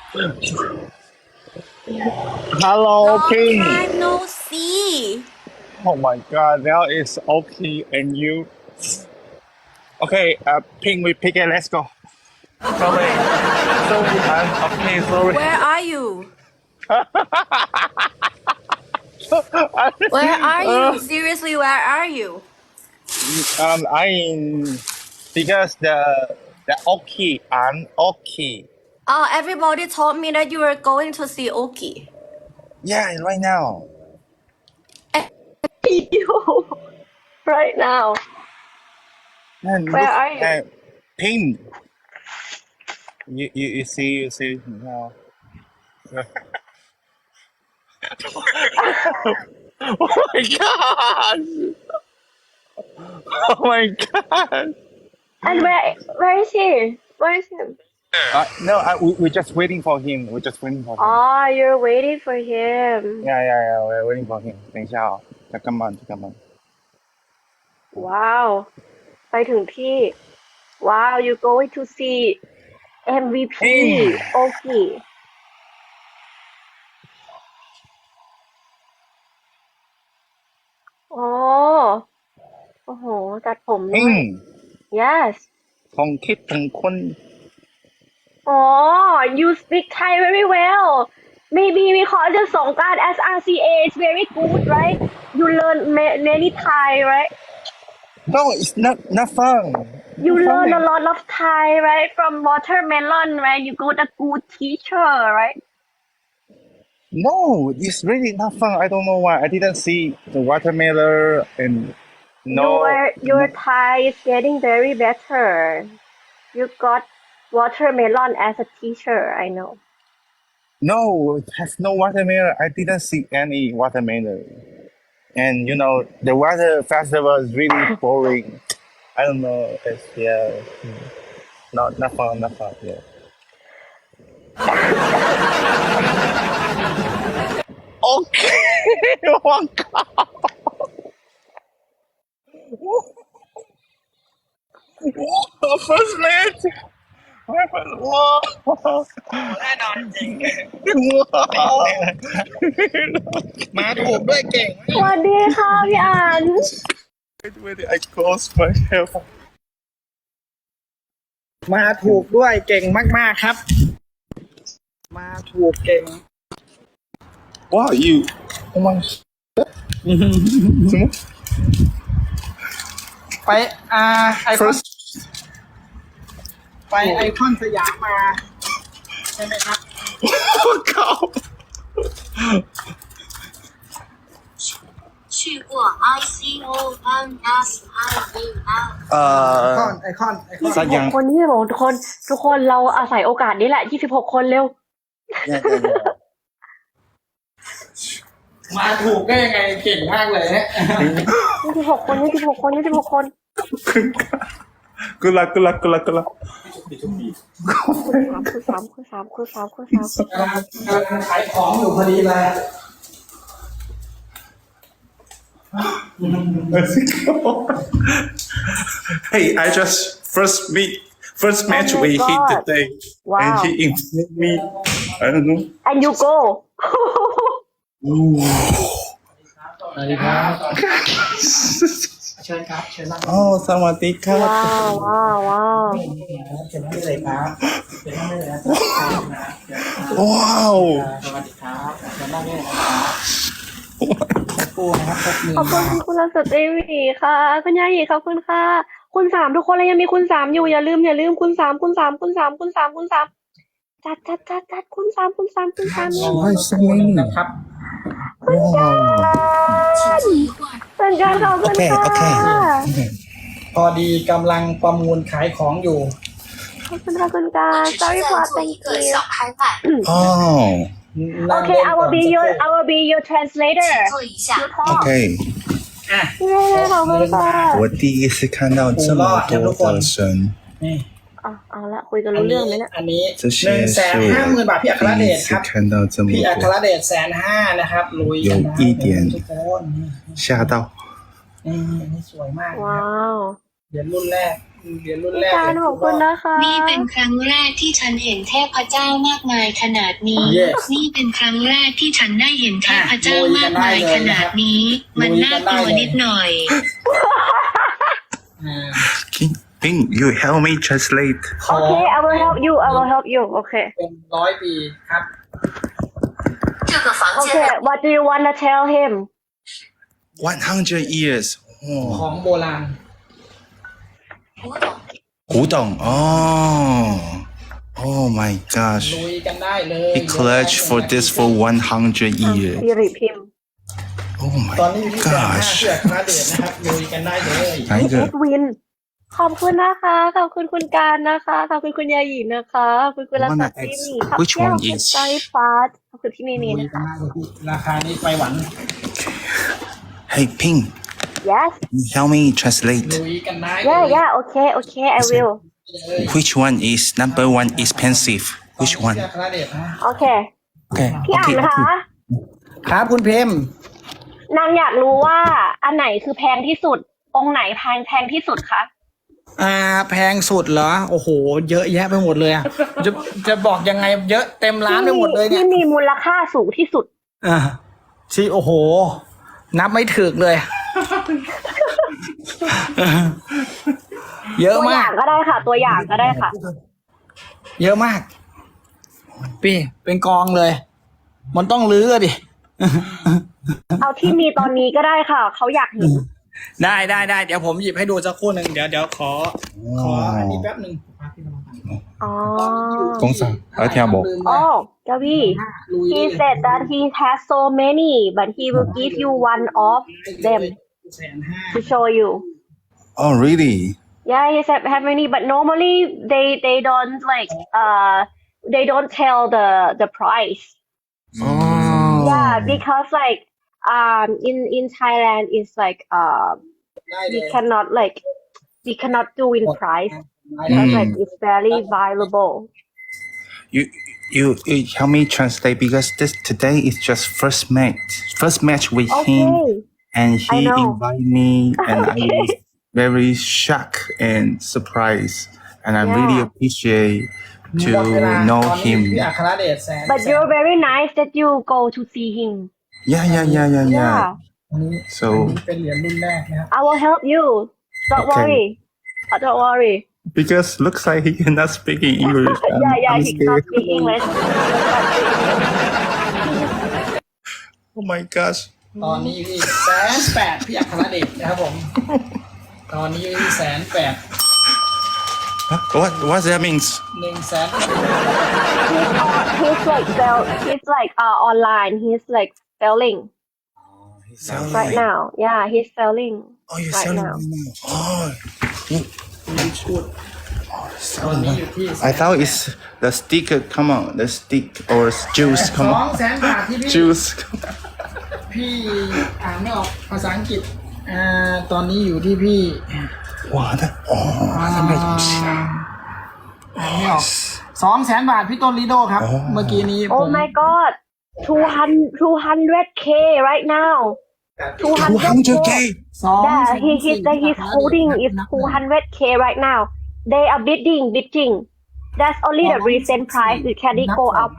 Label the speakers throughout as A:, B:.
A: Hello,
B: Long
A: Ping.
B: time no see.
A: Oh my God, now it's okay and you. Okay, Ping, we pick it. Let's go. Sorry, I'm okay. Sorry.
B: Where are you? Where are you? Seriously, where are you?
A: I because the okay and okay.
B: Oh, everybody told me that you were going to see Oki.
A: Yeah, right now.
C: You right now.
A: And
C: Where
A: look,
C: are you?
A: Ping. You see now. Oh my God! Oh my God!
C: And where is he? Where is him?
A: No, we're just waiting for him. We're just waiting for him.
C: Oh, you're waiting for him.
A: Yeah, we're waiting for him. 等一下哦，再干嘛？
C: Wow. ไปถึงที่ Wow, you're going to see MVP Oki. อ๋อโอ้โหตัดผมด้วย
A: Ping,
C: Yes.
A: ผมคิดถึงคุณ
C: Oh, you speak Thai very well. Maybe because the Songkran SRCA is very good, right? You learn many Thai, right?
A: No, it's not fun.
C: You
A: Not
C: learn a
A: fun.
C: lot of Thai, right? From Watermelon, right? You got a good teacher, right?
A: No, it's really not fun. I don't know why. I didn't see the watermelon and
C: Your Thai is getting very better. You got Watermelon as a teacher, I know.
A: no, it has no watermelon. I didn't see any watermelon. And the water festival is really boring. I don't know. Not fun. Yeah. Okay. Oh God. Whoa, first mate. Whoa.
D: แน่นอนจริง
A: Whoa.
D: มาถูกด้วยเก่ง
C: สวัสดีค่ะพี่อัน
A: Wait, I close my hair.
D: มาถูกด้วยเก่งมากๆครับ มาถูกเก่ง
A: Wow, you. Oh my.
D: ไปไอคอน
A: First.
D: ไปไอคอนสยามมาใช่ไหมครับ
A: Oh God.
E: 去过 ICONSIVL
D: ไอคอน
A: Sayang.
C: คนที่บอกทุกคนเราอาศัยโอกาสนี้แหละ26คนเร็ว
A: Yeah.
D: มาถูกได้ยังไงเก่งมากเลยเนี่ย
C: 26คน
A: Good luck.
C: คือ3
D: ขายของอยู่พอดีเลย
A: Let's go. Hey, I just first match
C: my
A: we hit
C: God.
A: today,
C: Wow.
A: and he informed me. I don't know.
C: and you go
D: สวัสดีครับเชิญครับเชิญนั่ง
A: Oh, sawadika.
C: ว้าว
D: เชิญนั่งได้เลยครับเชิญนั่งได้เลยนะครับ
A: Wow.
D: สวัสดีครับเชิญนั่งได้เลยนะครับสักครู่นะครับแป๊บนึง
C: ขอบคุณคุณสตรีวีค่ะคุณยายีขอบคุณค่ะคุณ3ทุกคนเลยยังมีคุณ3อยู่อย่าลืมคุณ3จัดคุณ3
A: Why so
D: นะครับ
A: Wow.
C: เป็นการขอบคุณค่ะ
D: พอดีกำลังประมูลขายของอยู่
C: ขอบคุณค่ะคุณการ
E: 我只
C: sorry
E: 是
C: for
E: 在做
C: thank
E: 一个
C: you
E: 小拍卖，
A: Oh.
C: okay I will be your translator
E: 做一下。
A: OK.
C: เย้ขอบคุณค่ะ
A: 我第一次看到这么多的神，
D: นี่
C: เอาละคุยกันรู้เรื่องไหมเนี่ย
D: อันนี้
A: 这些是
D: 150,000 บาทพี่อัคร
A: 我第
D: เด
A: 一
D: ช
A: 次
D: ครับ
A: 看到这么
D: พี่อัคร
A: 多，
D: เดช150,000นะครับลุยกันนะ
A: 有一点
D: ทุกคน
A: 吓到。
D: นี่สวยมากนะ
C: ว้า
D: ครับ
C: ว
D: เหรียญรุ่นแรกเหรียญรุ่น
C: พี่
D: แรก
C: การขอบคุณนะคะ
E: นี่เป็นครั้งแรกที่ฉันเห็นเทพเจ้ามากมายขนาดนี้ นี่เป็นครั้งแรกที่ฉันได้เห็นเทพเจ้ามากมายขนาดนี้ มันน่ากลัวนิดหน่อย
D: อ่า
A: Ping, you help me translate.
C: โอเค I will help you I will help you โอเค
D: เป็น100 ปีครับ
E: 这个房
C: โอเค
E: 间
C: what do you wanna tell him
A: 100 years.
D: ของโบราณ
A: 古董. Oh my gosh.
D: ลุยกันได้เลย
A: He clutched for this for 100 years.
C: สิริพิมพ์
A: Oh my
D: ตอนนี้อยู่ที่1,500
A: gosh.
D: เชือกนะเดชนะครับลุยกันได้เลย
A: 哪一
C: เอ็
A: 个
C: ดวิน ขอบคุณนะคะ ขอบคุณคุณการนะคะ ขอบคุณคุณยาหยีนะคะ ขอบคุณคุณรัศมีนี่ขอบ
A: Which
C: คุณ
A: one
C: คุณ
A: is
C: ไซฟาสขอบคุณที่นี่นี่
D: ลุย
C: นะ
D: กัน
C: คะ
D: ได้เลยพี่ราคานี้ไปหวัน
A: Hey Ping,
C: yes
A: you help me translate.
D: ลุยกันได้เลย
C: yeah yeah โอเคโอเค I will
A: Which one is number one expensive? Which
D: เชื
A: one?
D: อกนะเดชนะ
C: โอเค
A: Okay.
C: พี่อ่าน
A: Okay.
C: คะ
D: ครับคุณเพม
C: นางอยากรู้ว่าอันไหนคือแพงที่สุด องค์ไหนแพงที่สุดคะ
D: แพงสุดเหรอ โอ้โห เยอะแยะไปหมดเลยอะจะบอกยังไงเยอะเต็มร้านไปหมดเลยเนี่ย
C: ที่มีมูลค่าสูงที่สุด
D: อ่าที่โอ้โห นับไม่ถึกเลย เยอะ
C: ตัวอ
D: มา
C: ย่าก งก็ได้ค่ะ ตัวอย่างก็ได้ค่ะ
D: เยอะมาก พี่เป็นกองเลย มันต้องลื้อดิ
C: เอาที่มีตอนนี้ก็ได้ค่ะ เขาอยากเห็น
D: ได้เดี๋ยวผมหยิบให้ดูสักครู่หนึ่งเดี๋ยวขออันนี้แป๊บหนึ่ง
C: อ๋อ
A: 公司还听不？
C: อ๋อกาวี
D: ลุย
C: he said that he has so many but he will give you one of them
D: 150,000
C: to show you
A: Oh really?
C: yeah he said have many but normally they don't like they don't tell the price
A: Oh.
C: yeah because like in Thailand it's like
D: ได้เล
C: we
D: ย
C: cannot like we cannot do in price because like it's very valuable
A: You help me translate because this today is just first match with him,
C: okay
A: and
C: I
A: he
C: know.
A: invited me, and I was very shocked and surprised, and I really
C: Yeah.
A: appreciate
D: หมดเวลา
A: to know
D: ตอนนี้
A: him.
D: พี่อัครเดชแสน
C: but you're very nice that you go to see him
A: Yeah.
C: yeah
D: อันนี้
A: So
D: เป็นเหรียญรุ่นแรกนะครับ
C: I will help you don't
A: Okay.
C: worry don't worry
A: because looks like he cannot speak in English.
C: yeah
A: I'm
C: he cannot
A: scared.
C: speak English
A: Oh my gosh.
D: ตอนนี้อยู่ที่180,000พี่อัครเดชนะครับผม ตอนนี้อยู่ที่180,000
A: What that means?
C: he's like he's like online he's like selling right now yeah he's selling
A: Oh, you're
C: right
A: selling
C: now
A: right now. Oh.
D: ตอนนี้อยู่ที่
A: I thought it's the sticker. Come on, the stick or juice. Come
D: 200,000
A: on,
D: บาทที่พี่
A: juice.
D: พี่อ่านไม่ออกภาษาอังกฤษตอนนี้อยู่ที่พี่
A: 哇，那哦，那卖东西啊。
D: อ่านไม่ออก200,000 บาทพี่ต้นลิโดครับ เมื่อกี้นี้ผ
C: oh
D: ม
C: my god 200k right now 200k
A: 200k.
C: yeah he's holding is 200k right now they are bidding that's only the recent price it can go up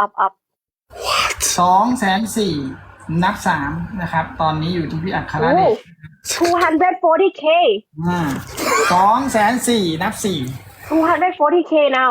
D: 204,000นับ3นะครับ ตอนนี้อยู่ที่พี่อัครเดช
C: 240k
D: 204,000นับ4
C: 240k now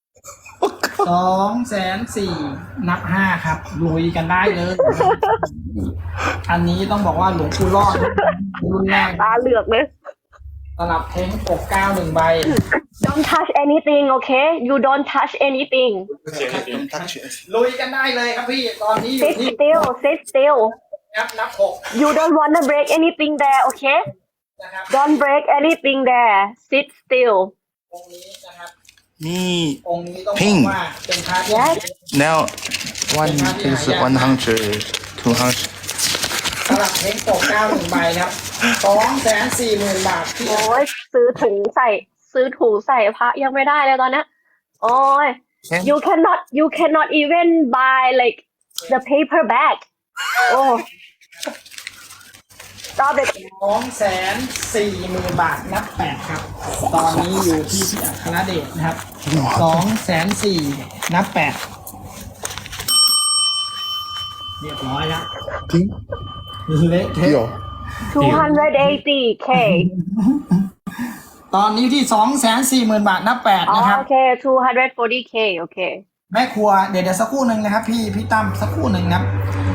D: 204,000นับ5ครับลุยกันได้เลย อันนี้ต้องบอกว่าหลวงปู่รอดรุ่นแรก
C: ตาเหลือกเลย
D: สลับเท้งปก91 ใบ
C: don't touch anything okay you don't touch anything
D: ลุยกันได้เลยครับพี่ ตอนนี้อยู่
C: sit
D: ที่
C: still
D: นับ6
C: you don't wanna break anything there okay
D: นะครับ
C: don't break anything there sit still
D: องค์นี้นะครับ
A: Me
D: องค์นี้ต้องบอกว่าเป็นพระที่
C: Yes.
A: now one is 100, 200.
D: สลับเท้งปก91 ใบครับ 240,000 บาทที่
C: โอ้ยซื้อถุงใส่พระยังไม่ได้เลยตอนเนี้ยโอ้ย you cannot even buy like the paper bag โอ้ Stop it
D: 240,000 บาทนับ 8 ครับ ตอนนี้อยู่ที่พี่อัครเดชนะครับ 240,000 นับ 8 เรียบร้อยแล้ว
A: จริง
D: เละเทะ
A: เดี๋ยว
C: 280k
D: ตอนนี้ที่ 240,000 บาทนับ 8 นะครับ
C: โอเค 240k โอเค
D: แม่ครัวเดี๋ยวสักครู่หนึ่งนะครับพี่ตั้มสักครู่หนึ่งนะครับ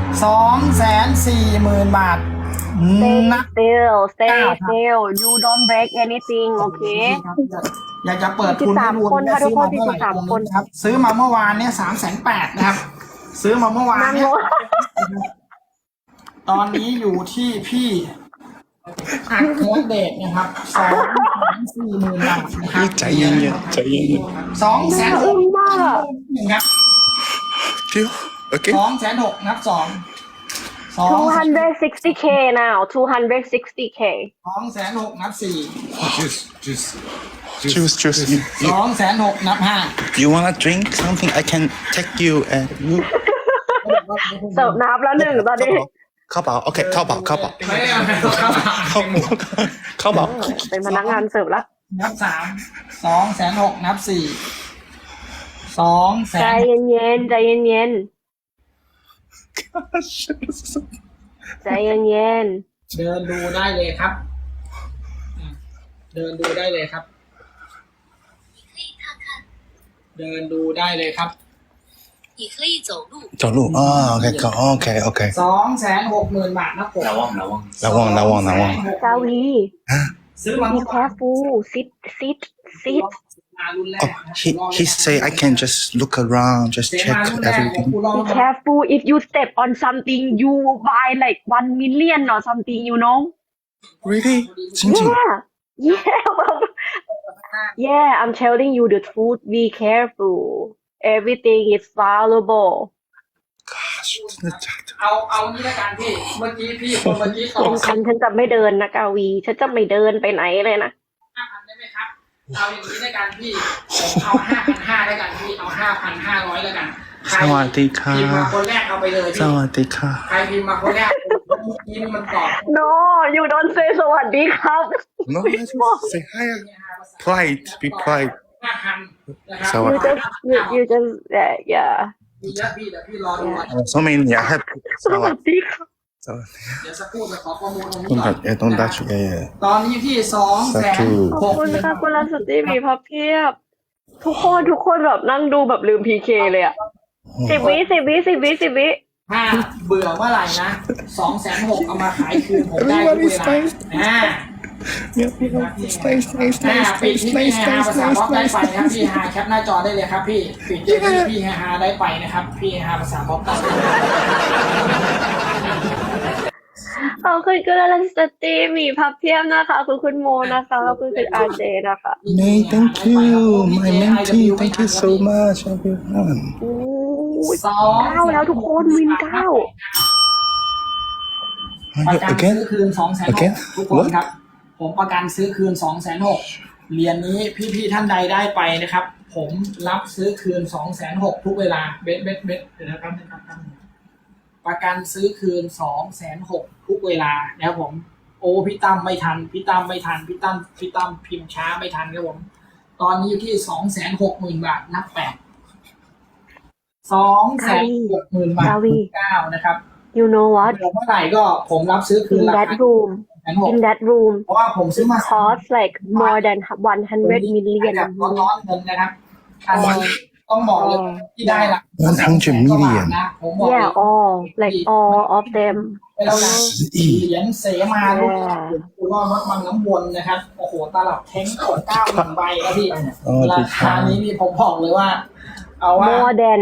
D: 240,000 บาท
C: Stay
D: นับ
C: still stay
D: ครับ
C: still you don't break anything โอเค
D: อยากจะเปิดทุนให้ดู
C: 43คนค่ะทุกคน
D: ซื้อมาเท่าไหร่
C: 43คน
D: ครับซื้อมาเมื่อวานเนี่ย380,000นะครับ ซื้อมาเมื่อวาน
C: นั่ง
D: เนี่ย
C: ลง
D: ตอนนี้อยู่ที่พี่อัครเดชนะครับ240,000 บาทนะครับ
A: ใจเย็นๆใจเย็น
D: 260,000
C: อึ้งมากอะ
D: ครับ
A: ๆเดี๋ยวโอเค
D: 260,000นับ
C: 260k now 260k
D: 260,000นับ
A: choose you
D: 260,000นับ
A: you wanna drink something I can take you and you
C: เสิร์ฟน้ำแล้วหนึ่งตอนนี้
A: เข้าเปล่าโอเคเข้าเปล่า
D: 5ไม่ได้เอาเข้ามา
C: เป็นพนักงานเสิร์ฟแล้ว
D: นับ 3 260,000นับ 4
C: ใจเย็นๆใจเย็นๆใจเย็น
D: เดินดูได้เลยครับ เดินดูได้เลยครับ เดินดูได้เลยครับ
E: 你可以走路。
A: 走路啊OK
D: 260,000 บาทนะผม
A: ระวัง
C: ๆ กาวี
D: ซื้อมา
C: be careful sit
D: รุ่นแรก
A: oh he say I can just look around just
D: เสีย
A: check
D: มารุ่นแรกของ
A: everything
D: กูลอง
C: be careful if you step on something you buy like 1 million or something you know
A: really จริง
C: yeah I'm telling you the truth be careful everything is valuable
A: 真的假的
D: เอานี้ละกันพี่ เมื่อกี้พี่คนเมื่อกี้ต่อ
C: เป็นคันฉันจะไม่เดินนะกาวีฉันจะไม่เดินไปไหนเลยนะ
D: 5,000ได้ไหมครับ เอาอย่างนี้ละกันพี่ผมเอา 5,500แล้วกันพี่ เอา 5,500แล้วกันใคร
A: สวัสดีค่ะ
D: พิมพ์มาคนแรกเอาไปเลย
A: ส
D: พี่
A: วัสดีค่ะ
D: ใครพิมพ์มาคนแรกเมื่อกี้นี่มันตอบ
C: no you don't say สวัสดีครับ
A: no I just say hi pride be pride
D: 5,000นะครับ
A: สวัส
C: you
A: ดี
C: just you just yeah
D: มีเยอะพี่เดี๋ยวพี่รอดูก่อน
A: so many I have
C: สวัสดีครับ
A: สวัสดี
D: เดี๋ยวสักครู่จะขอข้อมูลตรงนี้
A: ต้อง
D: ก่
A: ตั
D: อ
A: ด
D: น
A: ต้องดัชyeah
D: ตอนนี้ที่
C: ขอบคุณค่ะคุณรัศตีมีพับเพียบ ทุกคนแบบนั่งดูแบบลืม PK เลยอ่ะ10 วิ
D: ถ้าเบื่อเมื่อไหร่นะ 260,000เอามาขายคืนผมได้ทุกเวลาปิดที่พี่ฮาภาษาบ๊อบได้ไปนะครับพี่ฮาแคปหน้าจอได้เลยครับพี่ปิดที่พี่ฮาได้ไปนะครับพี่ฮาภาษาบ๊อบได้
C: ขอบคุณคุณรัศตีมีพับเพียบนะคะคุณโมนะคะขอบคุณอาเจนะคะ
A: May thank you my mentee thank you so much everyone
C: 9แล้วทุกคนวิน
D: ประกันซื้อคืน 260,000 ทุกคนครับ ผมประกันซื้อคืน 260,000 เหรียญนี้พี่ๆท่านใดได้ไปนะครับ ผมรับซื้อคืน 260,000 ทุกเวลาเบ็ดเดี๋ยวนะครับประกันซื้อคืน 260,000 ทุกเวลานะครับผมโอ้พี่ตั้มไม่ทันพี่ตั้มพิมพ์ช้าไม่ทันครับผมตอนนี้อยู่ที่ 260,000 บาทนับ 8 260,000 บาท9นะครับ
C: you know what
D: เมื่อไหร่ก็ผมรับซื้อคืน
C: in
D: รา
C: that
D: คา
C: room in that room
D: เพราะว่าผมซื้อมา
C: cost like more than 100 million
D: แบบร้อนๆเงินนะครับอันนี้ต้องบอกเลยที่ได้ละ
A: 100 million
D: นะผมบอก
C: yeah all like all of them
D: แล้วนะเหรียญเสมาลูกกูรอดวัดบางน้ำวนนะครับโอ้โหตลับเท้งกด91 ใบแล้วพี่ราคานี้นี่ผมบอกเลยว่าเอาว่า
C: more than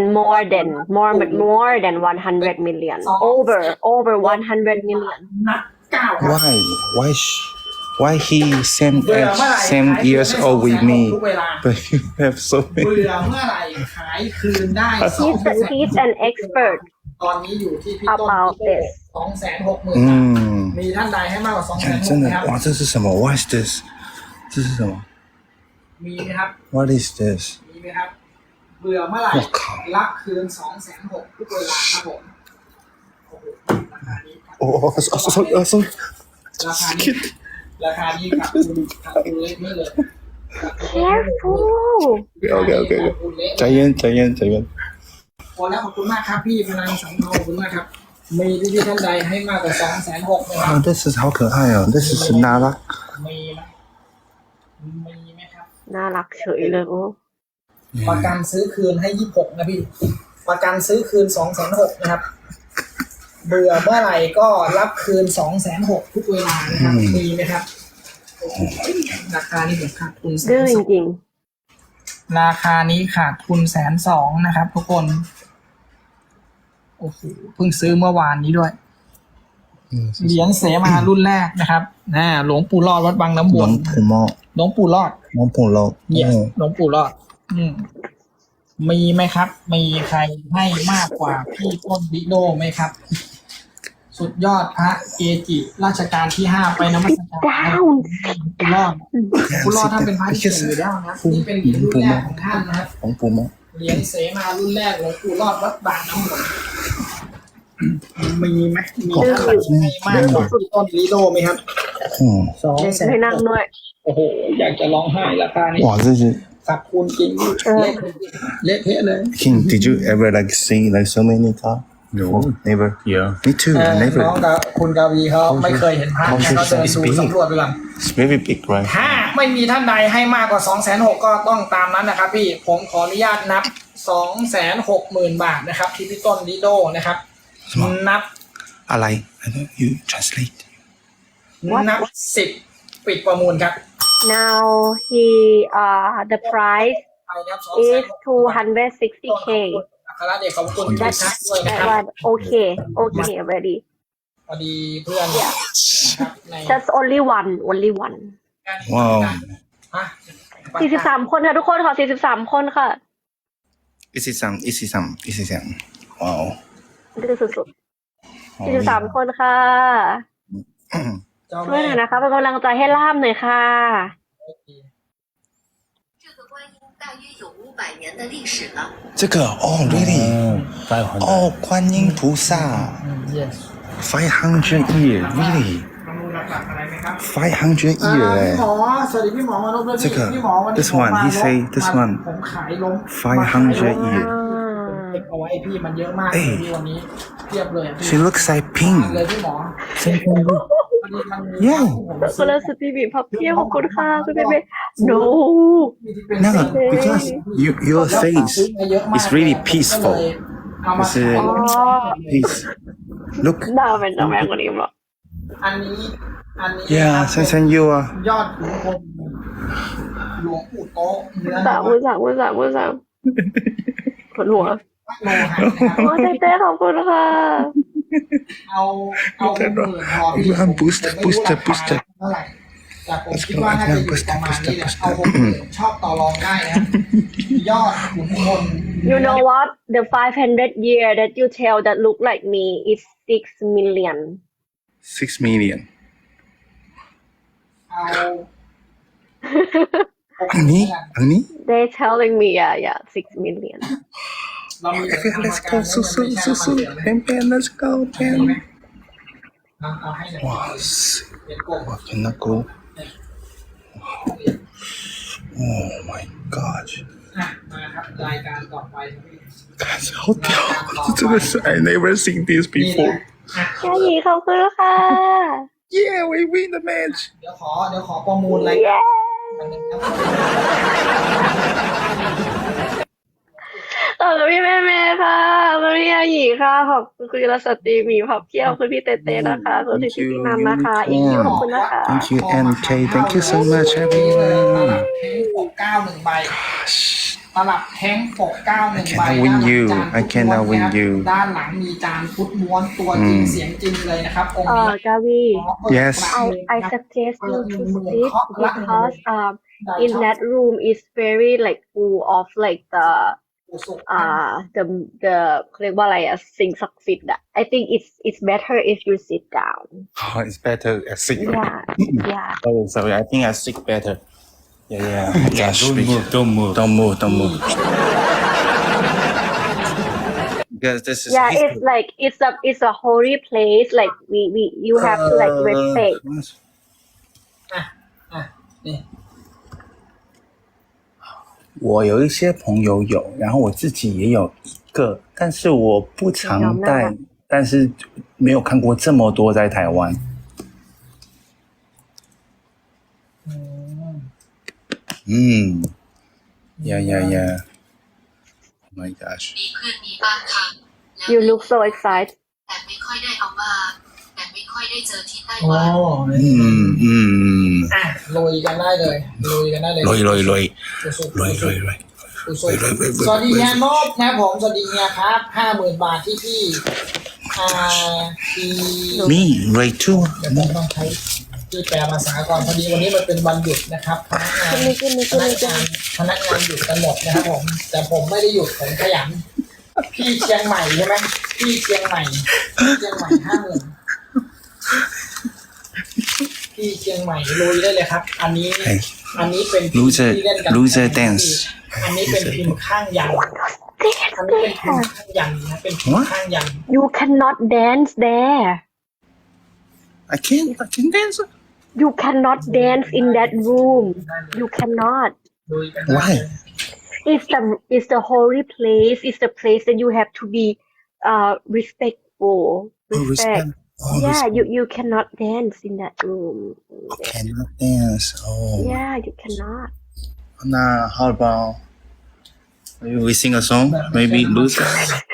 C: 100 million over 100 million
D: นับ9ครับ
A: why he same years old with me but you have so
D: เบื่
A: many
D: อเมื่อไหร่ขายคืนได้
C: he's an expert
D: ตอนนี้อยู่ที่พี่ต้น
C: about this
D: 260,000 มีท่านใดให้มากกว่า 260,000
A: 真的哇这是什么 what is this 这是什么
D: มีไหมครับ
A: what is this
D: มีไหมครับเบื่อเมื่อไหร่รับคืน 260,000 ทุกเวลาครับผม
A: oh sorry
D: ราคานี้ราคานี้ขาดทุนเล็กไม่เลย
C: careful
A: Okay. ใจเย็น
D: พอแล้วขอบคุณมากครับพี่พลังสังทองขอบคุณมากครับมีพี่ท่านใดให้มากกว่า260,000นะครับ
A: 这是好可爱哦，这是娜拉。
D: มีไหมครับ
C: น่ารักเฉยเลยโอ้
D: ประกันซื้อคืนให้26นะพี่ประกันซื้อคืน260,000นะครับเบื่อเมื่อไหร่ก็รับคืน260,000ทุกเวลานะครับมีไหมครับราคานี้ผมขาดทุน
C: ดื้อจริง
D: ราคานี้ขาดทุน120,000นะครับทุกคนโอ้โหเพิ่งซื้อเมื่อวานนี้ด้วยเหรียญเสมารุ่นแรกนะครับหลวงปู่รอดวัดบางน้ำวนหลวงปู่รอดเนี่ยหลวงปู่รอดมีไหมครับมีใครให้มากกว่าพี่ต้นดิโดไหมครับสุดยอดพระเกจิราชการที่5ไปนมัสการ
C: down
D: ปู่รอดท่านเป็นพระที่เก่งอยู่แล้วนะนี่เป็นเหรียญรุ่นแรกของท่านนะครับ
A: ของปู่ม
D: เหรียญเสมารุ่นแรกหลวงปู่รอดวัดบางน้ำวนมีไหมมีท่านให้มากกว่าพี่ต้นดิโดไหมครับ200,000
C: ให้นั่งด้วย
D: โอ้โหอยากจะร้องไห้ราคานี้
A: 哇，这是
D: ขาดทุนจริงเละเทะเลย
A: King. Did you ever like see like so many car? No, never. Yeah, me too.
D: น้อง
A: Never.
D: กับคุณกาวีเขาไม่เคยเห็นพระเขาเดินดูสำรวจไปก่อน
A: It's very big, right?
D: ถ้าไม่มีท่านใดให้มากกว่า260,000ก็ต้องตามนั้นนะครับพี่ผมขออนุญาตนับ260,000 บาทนะครับที่พี่ต้นดิโดนะครับนับ
A: อะไร I know you translate.
D: นับ10ปิดประมูลครับ
C: now he the price
D: ไปนับ
C: is 260k
D: อัครเดชขอบคุณทุกท่านด้วยนะ
C: that
D: ครับ
C: one okay already
D: พอดีเพื่อนนะครับใน
C: just only one
A: ว้าว
D: ฮะ
C: 43 คนค่ะทุกคนขอ43 คนค่ะ
A: อีสิซัมว้าว
C: ดื้อสุดๆ43 คนค่ะ
D: เจ้า
C: ช่วย
D: แม่
C: หน่อยนะคะเป็นกำลังใจให้ล่ามหน่อยค่ะ
E: 这个观音大约有500年的历史了。
A: 这个哦 really 哦观音菩萨
D: yes
A: 500 year really
D: ประมูลหลักๆอะไรไหมครับ
A: 500 year
D: พี่หม
A: 哎
D: อสวัสดีพี่หมอมานพด้วย
A: 这个
D: พี่หมอวันนี้
A: this one he say this one
D: ผมขายล้ม
A: 500 year
D: เก็บเอาไว้พี่มันเยอะมาก
A: เอ้ย
D: พี่วันนี้เทียบเลย
A: she looks like
D: พี่
A: pink
D: เลยพี่หมอวันนี้มัน
A: yeah
C: คนละสตรีบีพับเพียขอบคุณค่ะคุณเบเบ้ no
A: no because your face is really peaceful
D: คือ
C: อ๋อ
A: peace look
C: หน้าเป็นแม่คนนี้หรอ
D: อันนี้
A: yeah ฉันอยู่อ่ะ
D: ยอดขุนพลหลวงปู่โต๊ะเนื้อ
C: สามผลหัว
D: โลหะนะครับ
C: โอ้เต้ขอบคุณค่ะ
D: เอาหมื่นพอพี่
A: Abraham booster
D: ผมไม่รู้ราคา
A: booster
D: เท่าไหร่แต่ผมคิดว่าน่าจะอยู่ประมาณนี้แหละเอา60,000ชอบต่อรองได้นะยอดขุนพล
C: you know what the 500 year that you tell that look like me is 6 million
A: 6 million
D: เอา
A: อันนี้
C: they telling me yeah 6 million
D: เรามี
A: let's go สู้เป็น let's go เป็น
D: เอาให้หน่อย
A: ว้าว
D: เป็นกบ
A: 哇เป็นนักกู oh my god
D: มาครับรายการต่อไป
A: 好屌真的是 I never seen this before
C: ยายีขอบคุณค่ะ
A: yeah we win the match
D: เดี๋ยวขอประมูลรายการอันนึงครับ
C: ขอบคุณพี่แม่ค่ะขอบคุณพี่ยายีค่ะขอบคุณคุณรัสตรีมีพับเพียวคุณพี่เต้นะคะขอบคุณพี่พี่นันนะคะอีกทีขอบคุณนะคะ
A: thank you MK thank you so much
D: ตลั
A: everyone
D: บแท้งปก9 1 ใบตลับแท้งปก9 1 ใบ
A: I cannot win you I cannot win you
D: ด้านหลังมีจานพุทธม้วนตัวจริงเสียงจริงเลยนะครับองค์นี้
C: กาวี
A: yes
C: I suggest you to sit because in that room is very like full of like the เขาเรียกว่าอะไรอะสิ่งศักดิ์สิทธิ์อะ I think it's better if you sit down
A: oh it's better I sit
C: yeah
A: sorry I think I sit better yeah gosh don't move
F: because this is
C: Yeah,
F: history.
C: it's like it's a holy place. Like we you have to like respect.
D: อ่ะนี่
F: 我有一些朋友有，然后我自己也有一个，但是我不常戴，但是没有看过这么多在台湾。嗯，yeah. Oh my gosh.
E: มีเพื่อนมีบ้านค่ะแล้ว
C: You look so excited.
E: แต่ไม่ค่อยได้เอามาแต่ไม่ค่อยได้เจอที่ไต้
D: โอ้
E: หวัน
D: อ่ะลุยกันได้เลยลุยกันได้เลย
F: ลอย
D: สุดๆสวัสดีเฮียนบนะผมสวัสดีเฮียครับ50,000 บาทที่พี่ที่
F: Me, Ray too.
D: เดี๋ยวผมต้องใช้ที่แปลภาษาก่อนพอดีวันนี้มันเป็นวันหยุดนะครับพนักงานหยุดกันหมดนะครับผมแต่ผมไม่ได้หยุดผมขยันพี่เชียงใหม่ใช่ไหมพี่เชียงใหม่50,000พี่เชียงใหม่ลุยได้เลยครับ อันนี้เป็นพิมพ์ที่เล่นกัน
F: Loser dance.
D: อันนี้เป็นพิมพ์ข้างยันอันนี้เป็นพิมพ์ข้างยันนะเป็นพิมพ์ข้างยัน
C: You cannot dance there.
F: I can dance.
C: You cannot dance in that room. You cannot.
D: ลุยกันได้
F: Why?
C: It's the holy place. It's the place that you have to be respectful. Respect. Yeah, you cannot dance in that room.
F: Cannot dance. Oh.
C: Yeah, you cannot.
F: Now, how about maybe we sing a song? Maybe loser.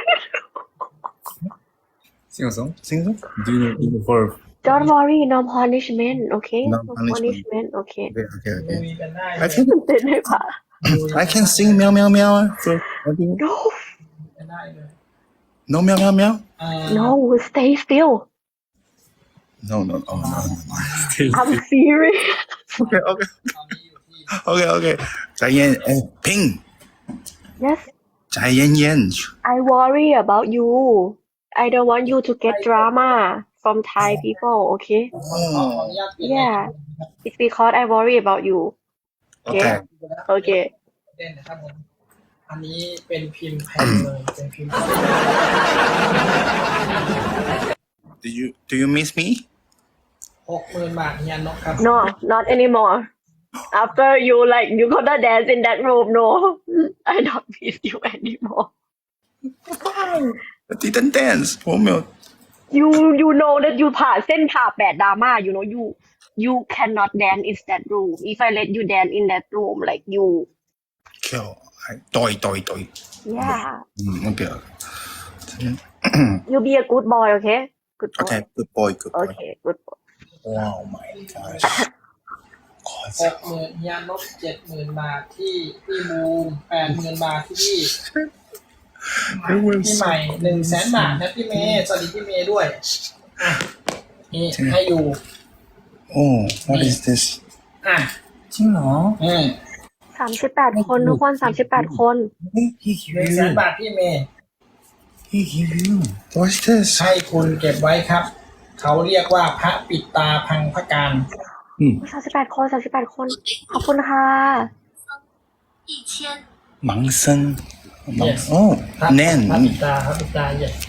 F: Sing a song. Do you for?
C: Don't worry, no punishment, okay?
F: No
C: No
F: punishment.
C: punishment, okay.
F: Okay.
D: ลุยกันได้
F: I can
C: เต้นให้ผ่า
F: I can sing meow meow meow. For maybe
C: No,
D: กันได้เลย
F: no meow meow meow.
C: no, stay still.
F: No.
C: I'm serious.
F: Okay.
D: ตอนนี้อยู่ที่
F: Okay. 翟嫣Ping
C: Yes,
F: 翟嫣嫣
C: I worry about you. I don't want you to get drama from Thai people, okay?
D: ขออนุญาตเปลี่ยน
C: Yeah, it's because I worry about you.
F: Okay.
C: Okay.
D: เล่นนะครับผมอันนี้เป็นพิมพ์แผ่นเลยเป็นพิมพ์
F: Do you miss me?
D: 60,000 บาทเฮียนกครับ
C: No, not anymore. After you gonna dance in that room, no. I don't miss you anymore.
F: I didn't dance. 我没有
C: You know that you ผ่านเส้นผ่า8 drama, you know, you cannot dance in that room. If I let you dance in that room, like you,
F: kill. Doi.
C: yeah,
F: Okay.
C: you be a good boy, okay? Good boy.
F: Okay. Good boy.
C: Okay, good boy.
F: Wow, my gosh.
D: 60,000เฮียนก70,000 บาทที่พี่บูม80,000 บาทที่พี่ใหม่100,000 บาทนะพี่เมย์สวัสดีพี่เมย์ด้วยอ่ะนี่ให้อยู่
F: Oh, what is this?
D: อ่ะ
F: จริงเหรอ
C: 38 คนทุกคน38 คน
F: He give
D: 100,000 บาทพี่เมย์
F: He give you. What's this?
D: ให้คุณเก็บไว้ครับ เขาเรียกว่าพระปิดตาพังพระการ
C: 38 คน38 คน ขอบคุณค่ะ
E: 1000
F: 盲僧
D: Yes.
F: Oh,
D: พระ
F: Nan.
D: ปิดตาเย็น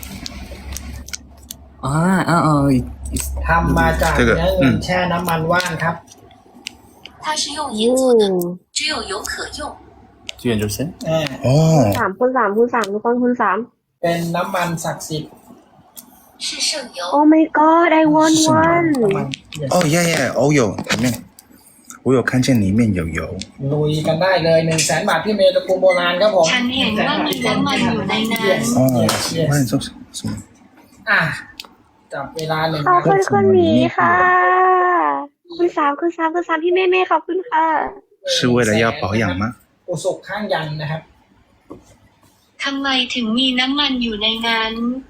D: ทำมาจากเนื้อเงินแช่น้ำมันว่านครับ
E: 它是用银做的只有油可用
F: 志愿者先。
D: Oh.
C: 3คูณ3คูณ3ทุกคนคูณ3
D: เป็นน้ำมันศักดิ์สิทธิ์
E: 是圣油
C: Oh my god, I want one.
D: น้ำมัน
F: Oh yeah. Oh有里面，我有看见里面有油。
D: ลุยกันได้เลย100,000 บาทพี่เมย์ตระกูลโบราณครับผม
E: ฉันเห็นว่ามีน้ำมันอยู่ในนั้น
F: 哦
D: Yes.，
F: 我也做什么？
D: อ่ะจับเวลา1
C: ขอบ
D: นา
C: คุณ
D: ที
C: คุณหมีค่ะ คุณ3พี่เม่ขอบคุณค่ะ
F: 是为了要保养吗？
D: อุศกข้างยันนะครับ
E: ทำไมถึงมีน้ำมันอยู่ในนั้น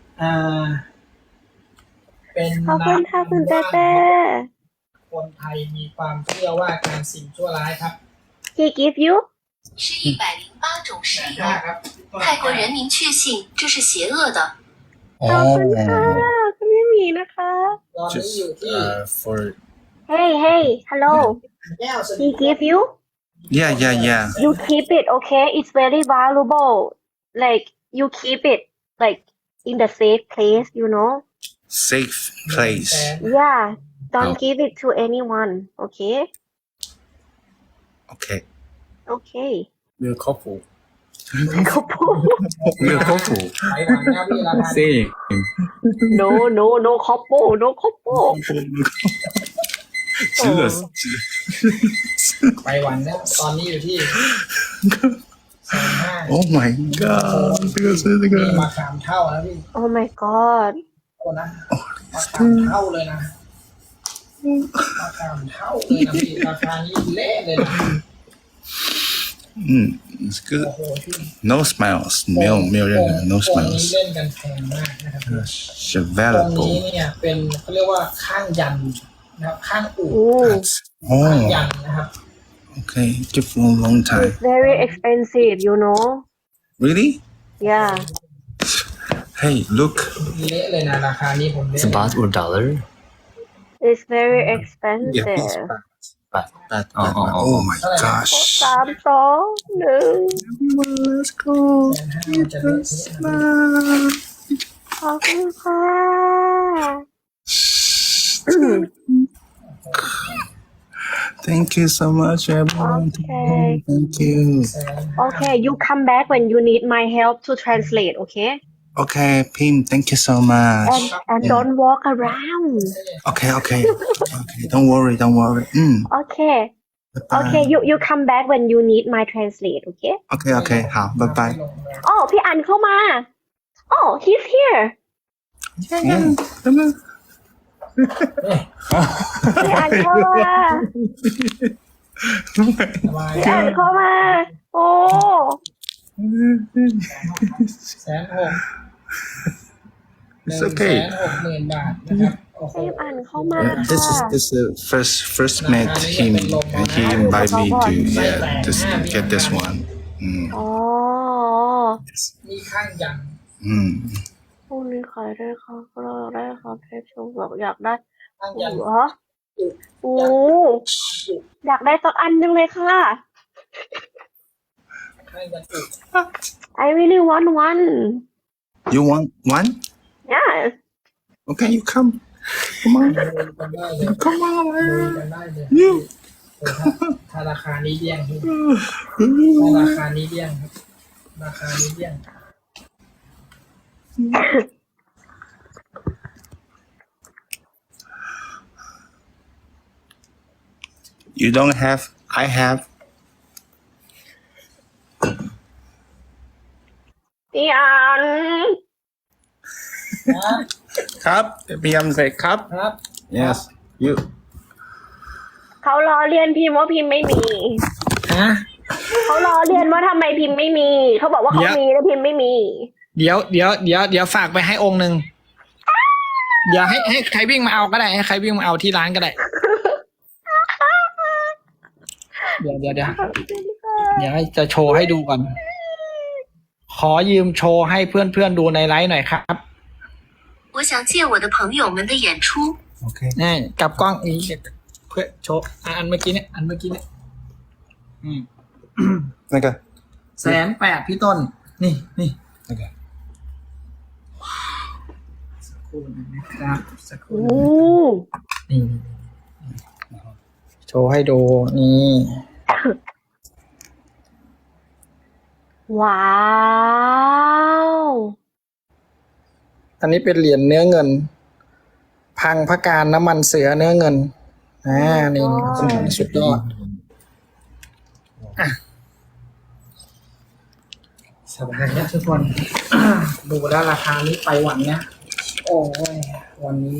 D: เป็น
C: ขอบคุณค่ะคุณเต้เต้
D: คนไทยมีความเชื่อว่าการสิ่งชั่วร้ายครับ
C: He give you
E: 是108种石油
D: ครับ
E: 泰国人民确信这是邪恶的
C: ขอบคุณค่ะคุณพี่หมีนะคะ
D: ตอนนี้อยู่ที่
F: for
C: Hey hello
D: แก้วส
C: He give you
F: yeah.
C: You keep it okay It's very valuable Like you keep it Like in the safe place, you know.
F: Safe place.
C: Yeah, don't
F: Oh.
C: give it to anyone. Okay.
F: Okay.
C: Okay.
G: เรือครอบครัว
C: Couple.
F: Real couple.
D: ไปหวังนะพี่ราคา
G: Same.
C: No, no, no couple, no couple.
F: 值得。
D: ไปหวังนะตอนนี้อยู่ที่150,000
F: Oh my god！这个是这
D: นี่
F: 个
D: มาขามเท่านะพี่
C: Oh my god.
D: โอ้นะมาขามเท่าเลยนะมาขามเท่าเลยนะพี่ราคานี้เละเลยนะ
F: it's
D: โอ้
F: good.
D: โหพี่
F: No smiles，没有任何 no
D: ตรงนี้
F: smiles。
D: เล่นกันแพงมากนะครับ
F: 是
D: ตรงนี้
F: valuable。
D: เนี่ยเป็นเขาเรียกว่าข้างยันนะครับข้างอู่
C: Ooh,
D: ข้าง
F: Oh,
D: ยันนะครับ
F: okay. Give for a long time.
C: it's very expensive, you know.
F: Really?
C: Yeah.
F: Hey, look.
D: เละเลยนะราคานี้ผมเละ
G: It's baht or dollar?
C: It's very expensive.
G: Baht.
F: But,
G: Oh.
F: oh my gosh.
C: 3, 2, 1
F: Let's go.
D: 150,000จะเละเทะนะ
C: ขอบคุณค่ะ
F: Thank you so much, everyone.
C: Okay.
F: Thank you.
C: Okay, you come back when you need my help to translate, okay?
F: Okay, Pim, thank you so much.
C: And don't walk around.
F: Okay. Don't worry.
C: Okay.
F: Bye-bye.
C: Okay, you come back when you need my translate, okay?
F: Okay. 好，拜拜。
C: อ๋อพี่อันเข้ามา Oh, he's here.
F: 真的。
C: พี่อันเข้ามา
D: สบาย
C: พี่อันเข้ามา โอ้
F: It's okay.
D: 160,000 บาทนะครับโอ้โห
C: พี่อันเข้ามา
F: This
C: ค่ะ
F: is the first met him, and he invited me to just get this one.
C: อ๋อ
D: นี่ข้างยัน
C: พรุ่งนี้ขายได้ครับเราได้ครับเทปชมบอกอยากได้
D: ข้าง
C: โอ้
D: ยัน
C: โหโอ้อยากได้สักอันหนึงเลยค่ะ
D: ข้างยันอุด
C: I really want one.
F: You want one?
C: Yeah.
F: Okay, you come. Come on.
D: ดูกันได้เลย
F: Come
D: ดู
F: on.
D: กันได้เลยถ้าราคานี้เดี้ยงพี่ถ้าราคานี้เดี้ยงครับราคานี้เดี้ยง
F: You don't have. I have.
C: พี่อัน
F: ครับ พี่ยำใส่ครับ
D: ครับ
F: Yes. You.
C: เขาล้อเลียนพิมพ์ว่าพิมพ์ไม่มี
D: ฮะ
C: เขาล้อเลียนว่าทำไมพิมพ์ไม่มี เขาบอกว่าเขามีแล้วพิมพ์ไม่มี
D: เดี๋ยวฝากไปให้องค์หนึ่งเดี๋ยวให้ใครวิ่งมาเอาก็ได้ให้ใครวิ่งมาเอาที่ร้านก็ได้ เดี๋ยวจะโชว์ให้ดูก่อน ขอยืมโชว์ให้เพื่อนๆดูในไลฟ์หน่อยครับ
E: 我想借我的朋友们的演出。
F: Okay.
D: นี่กับกล้องนี้เพื่อโชว์อันเมื่อกี้เนี่ย
F: 那个。
D: 180,000พี่ต้น นี่
F: 那个。
D: สักครู่หนึงนะครับสักครู่
C: โอ้
D: หนึ่งนี่โชว์ให้ดูนี่
C: ว้าว
D: อันนี้เป็นเหรียญเนื้อเงิน พังพระการน้ำมันเสือเนื้อเงินนี่สุดยอดสบายนะทุกคน ดูแล้วราคานี้ไปหวังนะโอ้ยวันนี้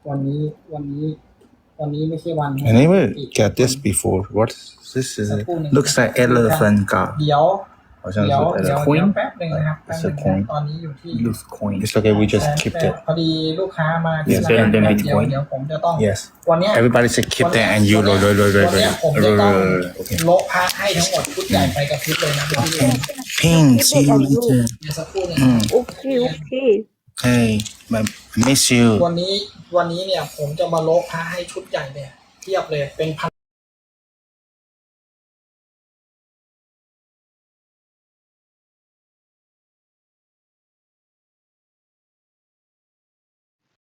D: ไม่ใช่วัน
F: I never get this before. What? This is looks like elephant god.
D: เดี๋ยว
F: 好像是
G: coin
D: แป๊บหนึ่งนะครับ
F: It's a coin.
D: ตอนนี้อยู่ที่
G: Loose coin.
F: It's okay. We just keep that.
D: พอดีลูกค้ามาที่
F: Yes,
D: ร้าน
G: then
D: เดี๋
G: Bitcoin.
D: ยวผมจะต้อง
F: Yes.
D: วันเนี้ย
F: Everybody say keep that and you
D: วันเนี้ยผมจะต้อง
F: Okay.
D: โละพระให้ทั้งหมดชุดใหญ่ไปกับชุดเลยนะพี่
F: Ping, see you later.
D: เดี๋ยวสักครู่หนึง
C: โอเคโอเค
F: Hey, I miss you.
D: วันนี้เนี่ยผมจะมาโละพระให้ชุดใหญ่เลยเทียบเลยเป็นพัน